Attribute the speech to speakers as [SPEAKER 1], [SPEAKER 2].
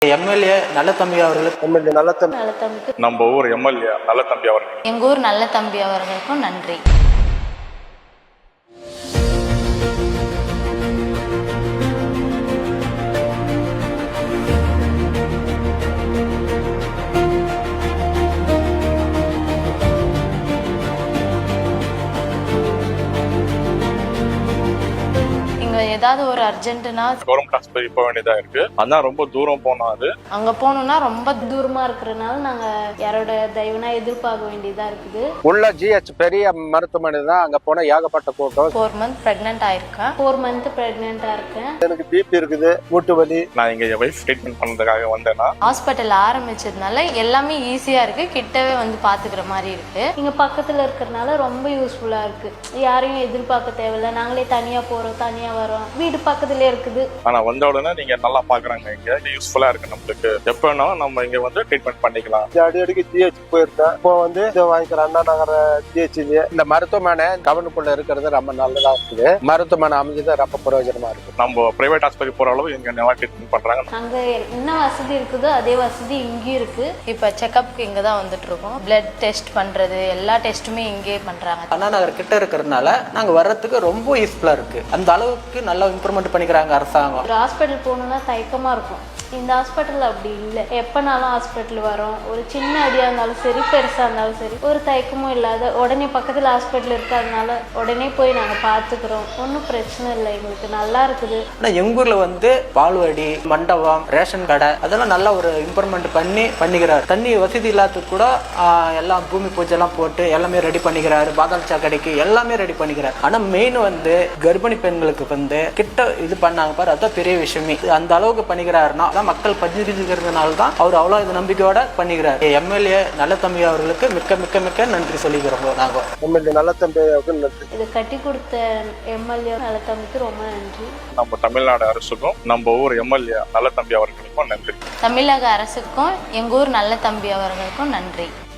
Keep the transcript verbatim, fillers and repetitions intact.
[SPEAKER 1] MLA நல்ல தம்பி அவர்களுக்கு
[SPEAKER 2] எம்எல்ஏ நல்ல தம்பி
[SPEAKER 3] நல்ல தம்பிக்கு
[SPEAKER 4] நம்ம ஊர் எம்எல்ஏ நல்ல தம்பி அவர்கள்
[SPEAKER 3] எங்க ஊர் நல்ல தம்பி அவர்களுக்கும் நன்றி. ஏதாவது ஒரு அர்ஜென்ட்னா
[SPEAKER 4] கவர்மெண்ட் ஹாஸ்பிட்டல் போக வேண்டியதா இருக்கு. அதான் ரொம்ப தூரம் போனா அது
[SPEAKER 3] அங்க போகணும்னா ரொம்ப தூரமா இருக்கிறதுனால நாங்க யாரோட தயவுனா எதிர்பார்க்க வேண்டியதா இருக்குது.
[SPEAKER 2] உள்ள ஜிஹெச் பெரிய மருத்துவமனை தான், அங்க போனா ஏகப்பட்ட கூட்டம்.
[SPEAKER 3] ஃபோர் மந்த் பிரெக்னென்ட் ஆயிருக்கேன். ஃபோர் மந்த் பிரெக்னென்டா இருக்கேன்.
[SPEAKER 2] எனக்கு பிபி இருக்குது, மூட்டு வலி.
[SPEAKER 4] நான் இங்க என் வைஃப் ட்ரீட்மெண்ட் பண்றதுக்காக வந்தேன்னா
[SPEAKER 3] ஹாஸ்பிட்டல் ஆரம்பிச்சதுனால எல்லாமே ஈஸியா இருக்கு, கிட்டவே வந்து பாத்துக்கிற மாதிரி இருக்கு. இங்க பக்கத்துல இருக்கிறதுனால ரொம்ப யூஸ்ஃபுல்லா இருக்கு. யாரையும் எதிர்பார்க்க தேவையில்லை, நாங்களே தனியா போறோம் தனியா வரோம், வீடு பக்கத்துலயே இருக்குது.
[SPEAKER 4] ஆனா வந்த உடனே நீங்க நல்லா பாக்குறாங்க, இங்க யூஸ்ஃபுல்லா இருக்கு நம்மளுக்கு. எப்ப வேணாலும் நம்ம இங்க வந்து ட்ரீட்மெண்ட் பண்ணிக்கலாம்.
[SPEAKER 2] அடி அடிக்கு ஜிஹெச் போயிருந்தேன், இப்போ வந்து இதை வாங்கிக்கிறேன் அண்ணா நகர ஜிஹெச்லயே. இந்த மருத்துவமனை கவர்னுக்குள்ள இருக்கிறது ரொம்ப நல்லதா இருக்குது. மருத்துவமனை அமைஞ்சது ரொம்ப பிரயோஜனமா இருக்கு.
[SPEAKER 4] நம்ம பிரைவேட் ஹாஸ்பிட்டல் போற அளவு இங்க நல்லா ட்ரீட்மெண்ட் பண்றாங்க.
[SPEAKER 3] அங்க என்ன வசதி இருக்குதோ அதே வசதி இங்கேயும் இருக்கு. இப்ப செக்அப்க்கு இங்க தான் வந்துட்டு இருக்கோம். பிளட் டெஸ்ட் பண்றது எல்லா டெஸ்ட்டுமே இங்கே பண்றாங்க.
[SPEAKER 1] அண்ணா நகர் கிட்ட இருக்கிறதுனால நாங்க வர்றதுக்கு ரொம்ப யூஸ்ஃபுல்லா இருக்கு. அந்த அளவுக்கு நல்லா இம்ப்ரூவ்மெண்ட் பண்ணிக்கிறாங்க அரசாங்கம்.
[SPEAKER 3] ஒரு ஹாஸ்பிட்டல் போகணும்னா தயக்கமா இருக்கும். இந்த ஹாஸ்பிட்டல் அப்படி இல்லை. எப்பனாலும் ஹாஸ்பிட்டல் வரோம். ஒரு சின்ன அடியா இருந்தாலும் சரி, பெருசா இருந்தாலும் சரி, ஒரு தயக்கமும் இல்லாத உடனே பக்கத்துல ஹாஸ்பிட்டல் இருக்கிறதுனால உடனே போய் நாங்க பாத்துக்கிறோம். ஒன்றும் பிரச்சனை இல்லை, எங்களுக்கு நல்லா இருக்குது.
[SPEAKER 1] ஆனா எங்க ஊர்ல வந்து பால்வாடி, மண்டபம், ரேஷன் கடை அதெல்லாம் நல்லா ஒரு இம்ப்ரூவ்மெண்ட் பண்ணி பண்ணிக்கிறாரு. தண்ணி வசதி இல்லாததுக்கு கூட எல்லாம் பூமி பூஜை எல்லாம் போட்டு எல்லாமே ரெடி பண்ணிக்கிறாரு. பாதாள சாக்கடைக்கு எல்லாமே ரெடி பண்ணிக்கிறாரு. ஆனா மெயின் வந்து கர்ப்பிணி பெண்களுக்கு வந்து கிட்ட இது பண்ணாங்க பாரு, அதான் பெரிய விஷயமே. அந்த அளவுக்கு பண்ணிக்கிறாருன்னா மக்கள் பதிஞ்சிருக்கிறதுனால தான் அவர் அவ்வளவு இது நம்பிக்கையோட பண்ணிக்கிறார். எம்எல்ஏ நல்ல தம்பி அவர்களுக்கு மிக்க மிக்க மிக்க நன்றி சொல்லிக்கிறோம். நாங்க
[SPEAKER 2] எம்எல்ஏ நல்ல தம்பி அவர்களுக்கு நன்றி.
[SPEAKER 3] இதை கட்டி கொடுத்த எம்எல்ஏ நல்ல தம்பிக்கு ரொம்ப நன்றி.
[SPEAKER 4] நம்ம தமிழ்நாடு அரசுக்கும் நம்ம ஊர் எம்எல்ஏ நல்ல தம்பி அவர்களுக்கும் நன்றி.
[SPEAKER 3] தமிழக அரசுக்கும் எங்க ஊர் நல்ல தம்பி அவர்களுக்கும் நன்றி.